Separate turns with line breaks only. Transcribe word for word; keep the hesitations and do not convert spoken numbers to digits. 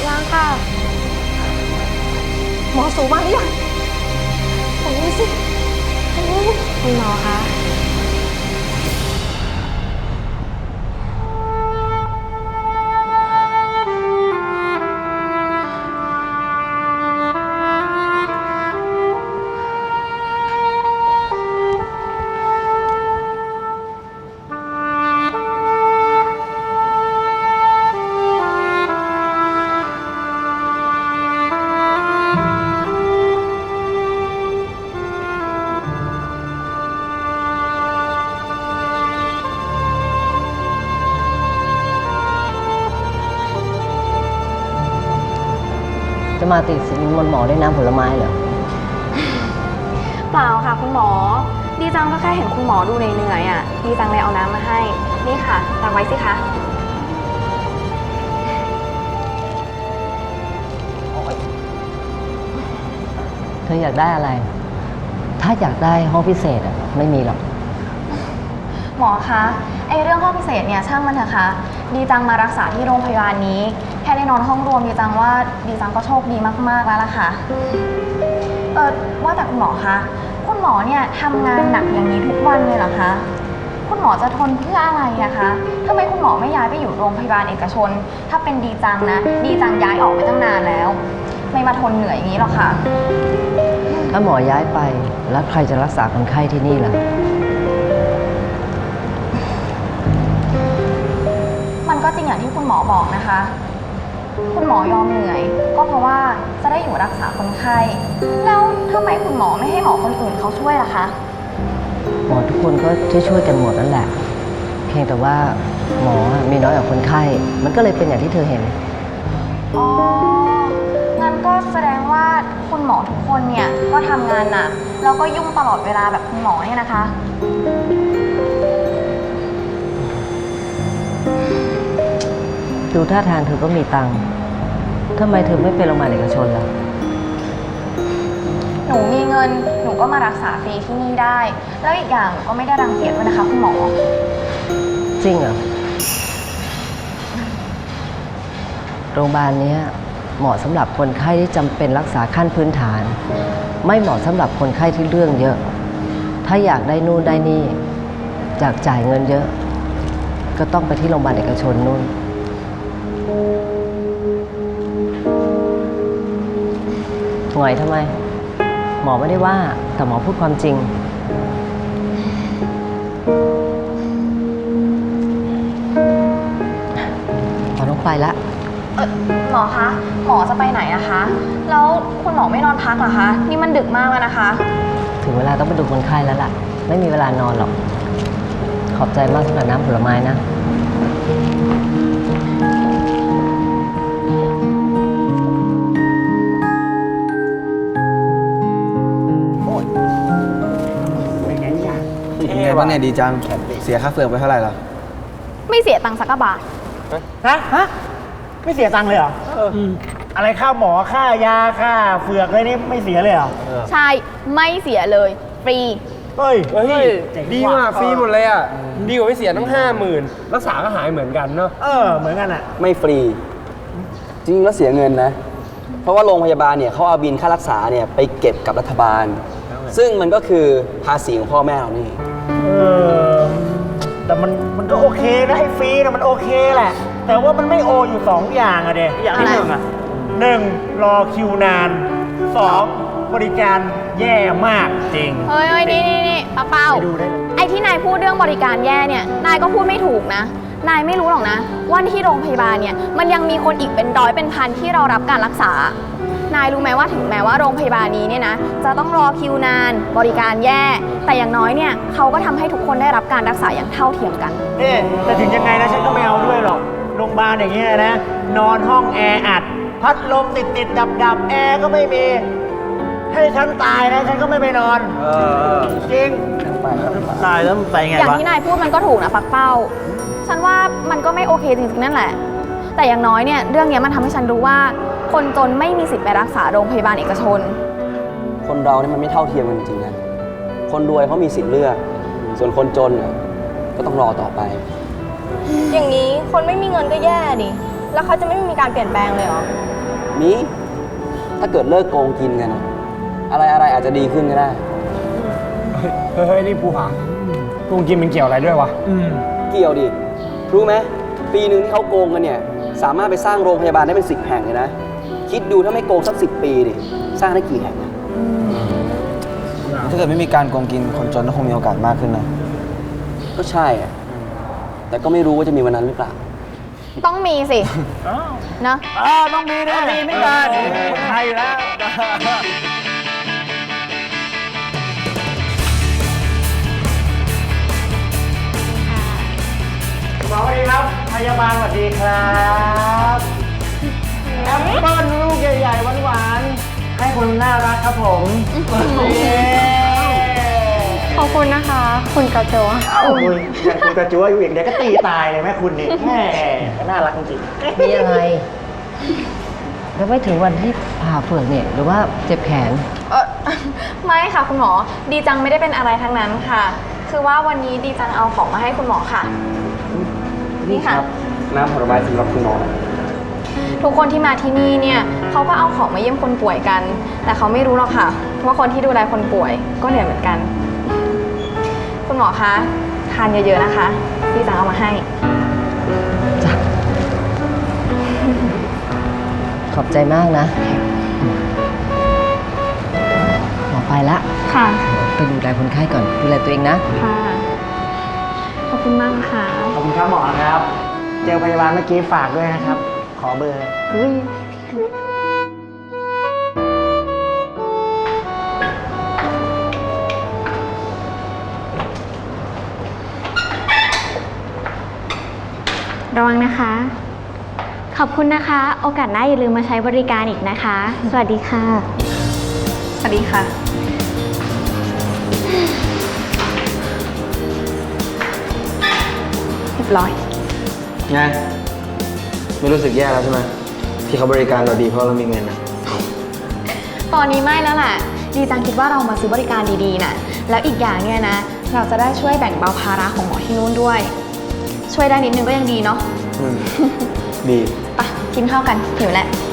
ยังค่ะหมอสูมาหรือยังโอ้ยสิคุณหมอคะ
จะมาติดสินบนหมอด้วยน้ำผลไม้เหรอ
เปล่าค่ะคุณหมอดีจังก็แค่เห็นคุณหมอดูเหนื่อยๆอ่ะดีจังเลยเอาน้ำมาให้นี่ค่ะตักไว้สิคะ
เธออยากได้อะไรถ้าอยากได้ห้องพิเศษอ่ะไม่มีหรอก
หมอคะไอเรื่องห้องพิเศษเนี่ยช่างมันเถอะค่ะดีจังมารักษาที่โรงพยาบาลนี้แค่ได้นอนห้องรวมดีจังว่าดีจังก็โชคดีมากๆแล้วล่ะค่ะเออว่าแต่คุณหมอคะคุณหมอเนี่ยทำงานหนักอย่างนี้ทุกวันเลยเหรอคะคุณหมอจะทนเพื่ออะไรนะคะทำไมคุณหมอไม่ย้ายไปอยู่โรงพยาบาลเอกชนถ้าเป็นดีจังนะดีจังย้ายออกไปตั้งนานแล้วไม่มาทนเหนื่อยอย่างนี้หรอกค่ะ
ถ้าหมอย้ายไปแล้วใครจะรักษาคนไข้ที่นี่ล่ะ
มันก็จริงอย่างที่คุณหมอบอกนะคะคุณหมอยอมเหนื่อยก็เพราะว่าจะได้อยู่รักษาคนไข้แล้วทำไมคุณหมอไม่ให้หมอคนอื่นเขาช่วยล่ะคะ
หมอทุกคนก็ช่วยๆกันหมดนั่นแหละเพียงแต่ว่าหมอมีน้อยกว่าคนไข้มันก็เลยเป็นอย่างที่เธอเห็น
อ๋องั้นก็แสดงว่าคุณหมอทุกคนเนี่ยก็ทำงานหนักแล้วก็ยุ่งตลอดเวลาแบบคุณหมอเนี่ยนะคะ
ดูท่าทางเธอก็มีตังค์ทำไมเธอไม่ไปโรงพยาบาลเอกชนล่ะ
หนูมีเงินหนูก็มารักษาฟรีที่นี่ได้แล้วอีกอย่างก็ไม่ได้รังเกียจด้วยนะคะคุณหมอ
จริงเหรอโรงพยาบาลนี้เหมาะสำหรับคนไข้ที่จำเป็นรักษาขั้นพื้นฐานไม่เหมาะสำหรับคนไข้ที่เรื่องเยอะถ้าอยากได้นู่นได้นี่อยากจ่ายเงินเยอะก็ต้องไปที่โรงพยาบาลเอกชนนู่นหงอยทำไมหมอไม่ได้ว่าแต่หมอพูดความจริงหมอต้องไปละ
เออหมอคะหมอจะไปไหนอะคะแล้วคุณหมอไม่นอนพักเหรอคะนี่มันดึกมากแล้วนะคะ
ถึงเวลาต้องไปดูคนไข้แล้วล่ะไม่มีเวลานอนหรอกขอบใจมากสำหรับน้ำผลไม้นะ
เป็นไงบ้างเนี่ยดีจังเสียค่าเฟืองไปเท่าไหร่แล้ว
ไม่เสียตังค์สักบาท
ฮะฮะไม่เสียตังค์เลยเหรออะไรค่าหมอค่ายาค่าเฟือกอะไรนี่ไม่เสียเลยเหรอ
ใช่ไม่เสียเลยฟรี
เฮ้ย
เฮ้ยดีมากฟรีหมดเลยอ่ะดีกว่าไม่เสียตั้งห้าหมื่นรักษาก็หายเหมือนกันเนาะ
เออเหมือนกันอ่ะ
ไม่ฟรีจริงแล้วเสียเงินนะเพราะว่าโรงพยาบาลเนี่ยเขาเอาบินค่ารักษาเนี่ยไปเก็บกับรัฐบาลซึ่งมันก็คือภาษีของพ่อแม่เรานี่
เออแต่มันมันก็โอเคนะให้ฟรีนะมันโอเคแหละแต่ว่ามันไม่โออยู่สองอย่างอะเด็อย่างที่หนึ่งอะหนึ่งรอคิวนานสองบริการแย่มากจริง
เฮ้ยนี่นี่นี่ป้าเป้าไอ้ที่นายพูดเรื่องบริการแย่เนี่ยนายก็พูดไม่ถูกนะนายไม่รู้หรอกนะว่าที่โรงพยาบาลเนี่ยมันยังมีคนอีกเป็นร้อยเป็นพันที่เรารับการรักษานายรู้ไหมว่าถึงแม้ว่าโรงพยาบาลนี้เนี่ยนะจะต้องรอคิวนานบริการแย่แต่อย่างน้อยเนี่ยเขาก็ทำให้ทุกคนได้รับการรักษาอย่างเท่าเทียมกัน
นี่แต่ถึงยังไงนะฉันก็ไม่เอาด้วยหรอกโรงพยาบาลอย่างเงี้ยนะนอนห้องแออัดพัดลมติดติดดับดับแอร์ก็ไม่มีให้ฉันตายนะฉันก็ไม่ไปนอนเออจริงตายแล้วไปไงวะ
อย่างที่นายพูดมันก็ถูกนะปักเป้าฉันว่ามันก็ไม่โอเคจริงๆนั่นแหละแต่อย่างน้อยเนี่ยเรื่องนี้มันทำให้ฉันรู้ว่าคนจนไม่มีสิทธิ์ไปรักษาโรงพยาบาลเอกชน
คนเราเนี่ยมันไม่เท่าเทียมกันจริงๆนะคนรวยเขามีสิทธิ์เลือกส่วนคนจนก็ต้องรอต่อไป
อย่างนี้คนไม่มีเงินก็แย่ดิแล้วเขาจะไม่มีการเปลี่ยนแปลงเลยเหรอ
มีถ้าเกิดเลิกโกงกินกันอะอะไรอะไรอาจจะดีขึ้นก็ได้
เฮ้ยเฮ้ยนี่ภูผาโกงกินมันเกี่ยวอะไรด้วยวะ
เกี่ยวดิ รู้ไหมปีหนึ่งที่เขาโกงกันเนี่ย สามารถไปสร้างโรงพยาบาลได้เป็นสิบแห่งเลยนะ คิดดูถ้าไม่โกงสักสิบปีดิ สร้างได้กี่แห่งอะ
ถ้าเกิดไม่มีการโกงกินคนจนก็คงมีโอกาสมากขึ้นนะ
ก็ใช่อะแต่ก็ไม่รู้ว่าจะมีวันนั้นหรือเปล่า
ต้องมีสิเนอะ
อ่าต้องมีนะมีไม่กันคนไทยอยู่แล้วหมอสวัสดีครับ พยาบาลสวัสดีครับแอปเปิ้ลลูกใหญ่ๆหวานๆให้คนน่ารักครับผมเย้
ขอบคุณนะคะ คุณกระโจ
เอ้าคุณอย่างคุณกระจัวอยู่อีกเดี๋ยวก็ตีตายเลยแม่คุณนี่แม่น่ารักจริงๆ
มีอะไร แล้วไม่ถึงวันที่ผ่าเฟือกเนี่ยหรือว่าเจ็บแขน
เออไม่ค่ะคุณหมอ ดีจังไม่ได้เป็นอะไรทั้งนั้นค่ะ คือว่าวันนี้ดีจังเอาของมาให้คุณหมอค่ะ นี่ค่ะ
น้ำผลไม้สำหรับคุณหมอ
ทุกคนที่มาที่นี่เนี่ยเขาก็เอาของมาเยี่ยมคนป่วยกัน แต่เขาไม่รู้หรอกค่ะ ว่าคนที่ดูแลคนป่วยก็เหนื่อยเหมือนกัน คุณหมอคะทานเยอะๆนะคะดีจังเอามาให้
จ้ะ ขอบใจมากนะ หมอไปละ
ค่ะ
ไปดูแลคนไข้ก่อน ดูแลตัวเองนะ
ค่ะ ขอบคุณมากค่ะ
ขอบคุณครับหมอครับ เจอพยาบาลเมื่อกี้ฝากด้วยนะครับ ขอเบอร์
ระวังนะคะ ขอบคุณนะคะ โอกาสหน้าอย่าลืมมาใช้บริการอีกนะคะ สวัสดีค่ะ
สวัสดีค่ะ เรียบร้อย
ไง ไม่รู้สึกแย่แล้วใช่ไหมที่เขาบริการเราดีเพราะเรามีเงินนะ
ตอนนี้ไม่แล้วแหละ ดีจังคิดว่าเรามาซื้อบริการดีๆน่ะ แล้วอีกอย่างเนี่ยนะ เราจะได้ช่วยแบ่งเบาภาระของหมอที่นู่นด้วย ช่วยได้นิดนึงก็ยังดีเนาะ
อืม ดี
ไปกินข้าวกันหิวแหละ
ไ